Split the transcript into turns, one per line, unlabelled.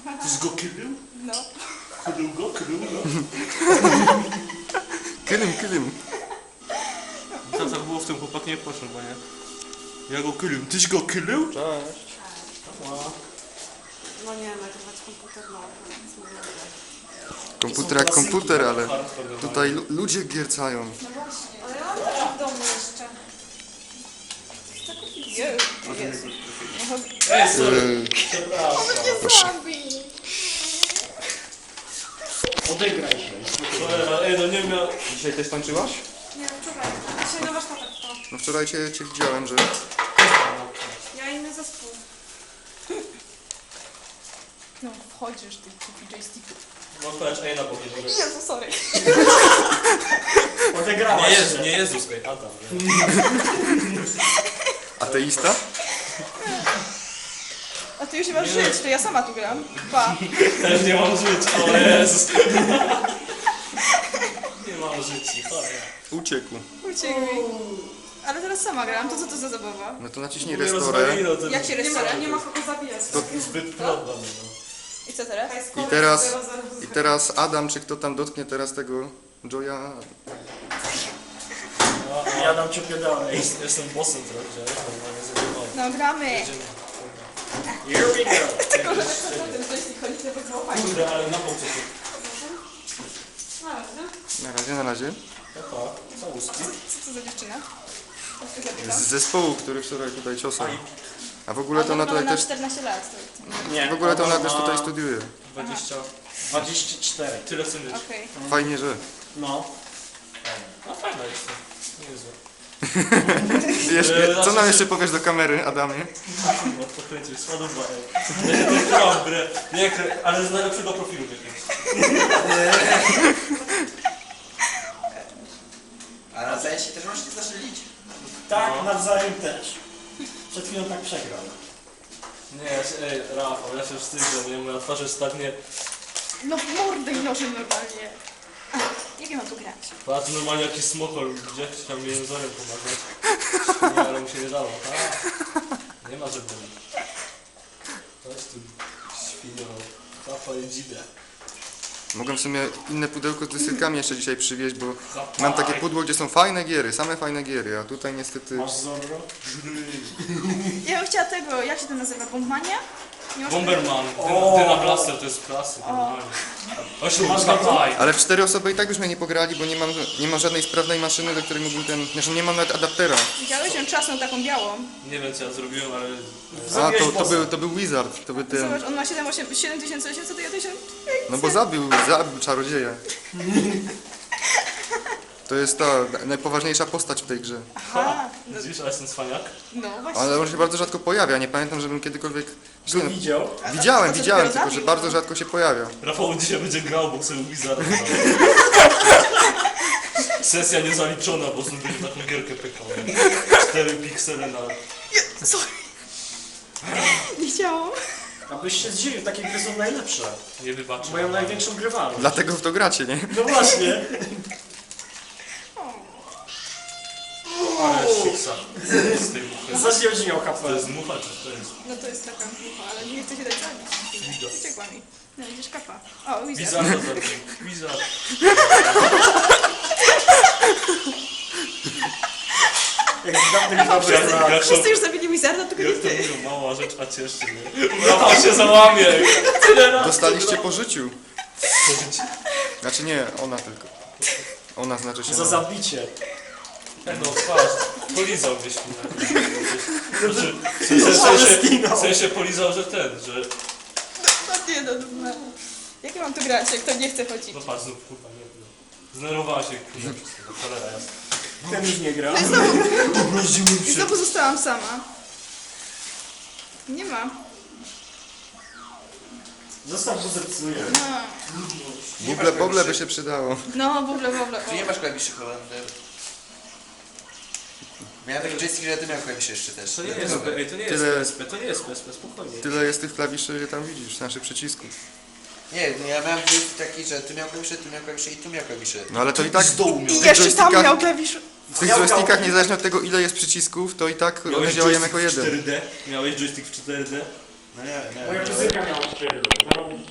Tyś go krył?
No.
Krył go?
Kylym.
Co tak było w tym chłopak nie poszedł, bo nie? Ja go krył. Tyś go krył?
Cześć.
No nie, nagrywać komputer, no. Więc mówię, że...
Komputer jak komputer, ale tutaj ludzie giercają.
No właśnie, ale ja mam też w domu jeszcze. Co to kupić? Jezu.
Ej, sorry.
On mnie zabi.
Odegraj się.
Ej, no nie miał...
Dzisiaj też tańczyłaś?
Nie, wczoraj. Dzisiaj na warsztatach to.
No wczoraj cię widziałem, że...
Ja inny zespół. No, wchodzisz, ty kupi joysticków.
No patrz, ej, na boku.
Jezu, sorry.
Odegrałaś się.
Nie Jezus, ej, Adam.
Ateista?
A ty już nie masz żyć, to ja sama tu gram. Pa.
Też nie mam żyć, o Jezus. Nie mam życi, chodź.
Uciekł.
Uciekł mi. Ale teraz sama gram, to co to za zabawa?
No to naciśnij restore.
Jak się restauruje?
Nie ma kogo zabijać.
To...
Zbyt plotno,
I co teraz?
I teraz Adam, czy kto tam dotknie teraz tego Joya?
Ja dam ciupie dalej.
Jestem bossem trochę, normalnie zadowolony.
No gramy.
Here we go.
Tylko, że ten joystick chodzi, to by było fajnie.
Kurde, ale na bok co
Na razie.
Opa, całuski.
Co to za dziewczyna? Jak się zapytam?
Z zespołu, który wczoraj tutaj ciosał. A w ogóle to ona tutaj
na
też...
14 lat.
Nie.
W ogóle to ona też tutaj studiuje.
20.
24.
Tyle co mieć.
Okej.
Fajnie, że...
No.
No fajna jest to. Niezłe.
Co nam jeszcze powiesz do kamery, Adamie?
Bo pokręcić, sładowa, ej. Ja się to grałam w grę. Nie, ale z najlepszego profilu jakiegoś.
A na zajęcie też możecie zastrzelić?
Tak, nawzajem też. Przed chwilą tak przegrał.
Nie, ej, Rafał, ja się wstydzę, nie? Moja twarz jest tak nie...
No w mordę i noży normalnie. Jak ja mam tu grać?
Patrz, normalnie jakiś smokol, gdzie chciał mi jęzorem pomagać. Nie, ale mu się nie dało, tak? Nie ma żeby. Chodź tu, świnio. Papa i dzidę.
Mogłem w sumie inne pudełko z dyskietkami jeszcze dzisiaj przywieźć, bo mam takie pudło, gdzie są fajne giery, same fajne giery, a tutaj niestety...
Masz Zorro?
Ja bym chciała tego, jak się to nazywa? Bombmania? Nie masz
Bomberman,
O!
Dyna Blaster to jest klasy, normalnie. 8 masz high.
Ale w 4 osoby i tak byśmy nie pograli, bo nie mam żadnej sprawnej maszyny, do której mógłbym ten... Znaczy nie mam nawet adaptera.
Widziałeś ją czasną taką białą?
Nie wiem co ja zrobiłem, ale...
A, to był Wizard, to był ten...
Zobacz, on ma 7800, to ja 1000...
No bo zabił czarodzieja. To jest ta najpoważniejsza postać w tej grze.
Aha, no,
Widzisz, a jestem cwaniak?
no właśnie.
Ale on się bardzo rzadko pojawia, nie pamiętam, żebym kiedykolwiek...
Go widział?
Widziałem,
dopiero
tylko że
zabił,
bardzo
no.
rzadko się pojawia.
Rafał dzisiaj będzie grał, bo sobie Wizarda. Sesja niezaliczona, bo znów będzie taką gierkę pykał. 4 piksele na...
Sorry. Nie chciałam.
Abyś się zdziwił, takie gry są najlepsze.
Nie wybaczę.
Mają największą grywalność.
Dlatego w to gracie, nie?
No właśnie.
Ale szyksa. Z tej muchy.
Zaś miał
To
HP.
jest mucha, czy to jest...
No to jest taka mucha, ale nie chcę się dać zabić. Uciekła mi. No widzisz kapa. O, Wizard.
Wizarda zabił. Wizard.
Jak z dawnych dobrych lat.
Jak to,
Wszyscy już zabili Wizarda, tylko nie
jak to
ty.
mówią, mała rzecz, a cieszy, nie? Rafał się załamie. Tyle razy.
Dostaliście po życiu.
Pożycie.
Znaczy nie, ona tylko. Ona znaczy się...
Za zabicie.
No twarz, polizał gdzieś mnie. Znaczy, w sensie polizał, że ten, że...
No nie, no. Jak ja mam tu grać, jak to nie chce chodzić?
No patrz, znów kurwa, nie. Zdenerwowała się kurwa przez tego, cholera jasna.
Ten już nie gra.
I znowu zostałam sama. Nie ma.
Zostaw, bo zepsuje.
No,
Buble by się przydało.
no w ogóle.
Czy nie masz klawiszy Holender? Miałem taki joystick, że ty miał klawisze jeszcze też.
To nie jest, ej, to nie jest
Tyle-
PSP, to nie jest PSP, spokojnie.
Tyle jest tych klawiszy, że tam widzisz, naszych przycisków.
Nie, no ja miałem joystick taki, że tu miał klawisze i tu miał klawisze.
No ale to i tak...
Z dołu miał.
I
tych
jeszcze tam
joystickach-
miał klawisz.
W tych joystickach, niezależnie od tego ile jest przycisków, to i tak one
Miałeś
działają
joystick
jako
w
jeden.
4D? Miałeś joystick w 4D?
No nie,
Moja muzyka miała 4.